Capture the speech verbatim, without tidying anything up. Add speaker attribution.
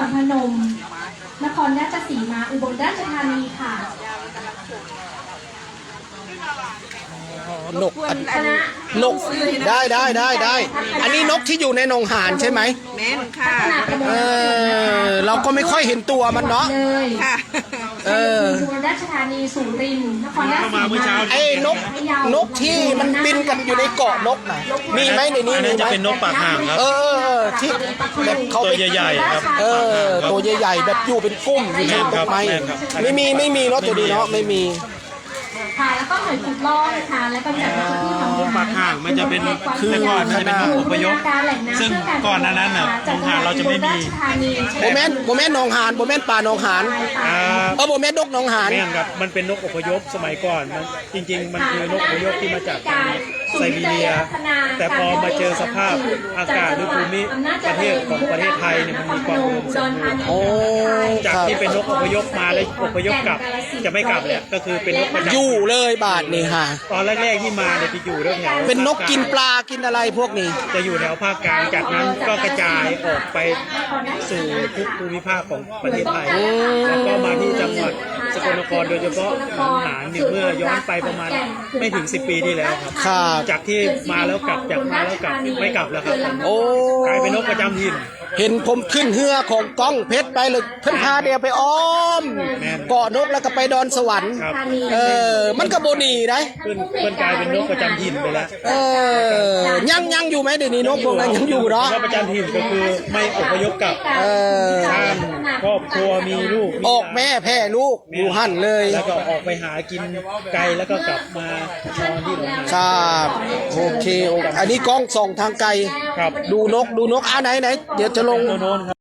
Speaker 1: รพนมนครราชสีมาอุบลราชธานีค่ะ
Speaker 2: นกนกได้ได้ได้ได้อันนี้นกที่อยู่ในหนองหานใช่ไหม
Speaker 3: แม่นค่ะ
Speaker 2: เออเราก็ไม่ค่อยเห็นตัวมันเนาะ
Speaker 3: ค่ะ
Speaker 2: เออ
Speaker 1: อุบลราชธานีสุรินทร์นครราชสีมา
Speaker 2: ไอ้นกนกที่มันบินกันอยู่ในเกาะนกไหนมีไหมในนี้มีไหม
Speaker 4: จะเป็นนกปากห่างครับ
Speaker 2: เออที่แบบเขา
Speaker 4: ตัวใหญ่ๆครับ
Speaker 2: เออตัวใหญ่ๆแบบอยู่เป็นกุ้มอยู่ในต้นไม้ไม่มีไม่มีเนาะตัวนี้เนาะไม่มี
Speaker 1: ค่ะแล้วก็หน่วยขุดลอกค่ะแล้วก็จัดพื้นที่ของ
Speaker 4: ปากห่างมันจะเป็นคือก่อนมันจะเป็นนกอพยพซึ่งก่อนหน้านั้นน่ะหนองหานเราจะไม่มี
Speaker 2: โบแมนโบแมนหนองหานโบแมนป่าหนองหานเออโบแมนนกหนองหาน
Speaker 4: แม่นครับมันเป็นนกอพยพสมัยก่อนมันจริงๆมันคือนกอพยพที่มาจากไซบีเรียแต่พอมาเจอสภาพอากาศหรือภูมิประเทศของประเทศไทยเนี่ยมันมีความอุดมสมบูรณ์จากที่เป็นนกอพยพมาแล้วอพยพกลับจะไม่กลับเลยก็คือเป็นนกประจำ
Speaker 2: อยู่เลยบาทนี่ค่ะ
Speaker 4: ตอนแรกๆที่มาเนี่ยจะอยู่แถว
Speaker 2: เป็นนกกินปลากินอะไรพวกนี้
Speaker 4: จะอยู่แถวภาคกลางจากนั้นก็กระจายออกไปสู่ทุกภูมิภาคของประเทศไทยแล้วก็มาที่จังหวัดสกลนครโดยเฉพาะหนองหานเนี่ยเมื่อย้อนไปประมาณไม่ถึงสิบปีที่แล้วครับจากที่มาแล้วกลับจากมาแล้วกลับไม่กลับแล้วครับ
Speaker 2: โอ้
Speaker 4: กลายเป็นนกประจำถิ่น
Speaker 2: เห็นผมขึ้นเฮือของก้องเพชรไปเลยเพิ่นพาเดียวไปอ้อมเกาะนกแล้วก็ไปดอนสวรรค์เออมันก็โบนีได้
Speaker 4: เพิ่นเพิ่นกลายเป็นนกประจำถิ่นไปแล้ว
Speaker 2: เออยังยังอยู่ไหมเดี๋ยวนี้นกพวกนั้นยังอยู่เนาะ
Speaker 4: นกประจำถิ่นก็คือไม่อพยพกลับ
Speaker 2: เออ
Speaker 4: สร้างครอบครัวมีลูก
Speaker 2: ออกแม่แพ้ลูกอยู่หั่นเลย
Speaker 4: แล้วก็ออกไปหากินไกลแล้วก็กลับมานอนที่โรงงาน
Speaker 2: ครับโอเคอันนี้กล้องส่องทางไกลดูนกดูนกอ่ะไหนไหนเดี๋ยวจะลง